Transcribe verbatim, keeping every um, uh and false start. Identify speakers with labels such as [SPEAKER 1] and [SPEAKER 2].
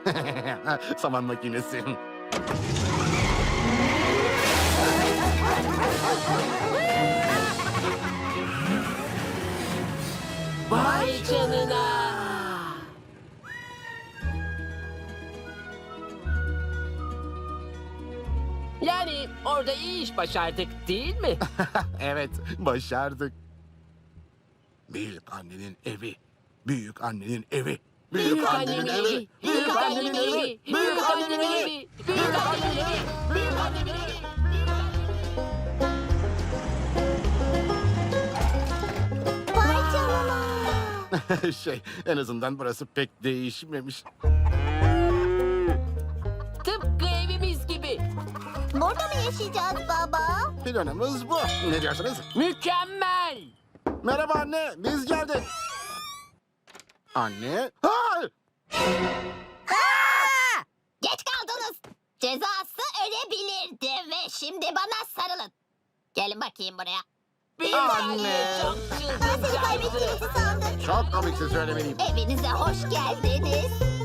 [SPEAKER 1] Saman makinesi.
[SPEAKER 2] Vay canına. Yani orada iyi iş başardık değil mi?
[SPEAKER 1] Evet, başardık. Büyük annenin evi. Büyük annenin evi.
[SPEAKER 2] Büyük annemin evi, büyük annemin evi, büyük annemin evi, büyük annemin evi, büyük annemin evi.
[SPEAKER 3] Vay canına.
[SPEAKER 1] Şey, en azından burası pek değişmemiş.
[SPEAKER 2] Tıpkı evimiz gibi.
[SPEAKER 3] Burada mı yaşayacağız baba?
[SPEAKER 1] Planımız bu. Ne diyorsunuz?
[SPEAKER 2] Mükemmel.
[SPEAKER 1] Merhaba anne, biz geldik. Anne? Hayır!
[SPEAKER 3] Aa! Geç kaldınız. Cezası ölebilirdi ve şimdi bana sarılın. Gelin bakayım buraya.
[SPEAKER 2] Büyük
[SPEAKER 1] Anne.
[SPEAKER 2] anne çok
[SPEAKER 3] Ben seni
[SPEAKER 2] çılgınca.
[SPEAKER 3] kaybettiğinizi sandım.
[SPEAKER 1] Çok komiksin söylemeliyim.
[SPEAKER 3] Evinize hoş geldiniz.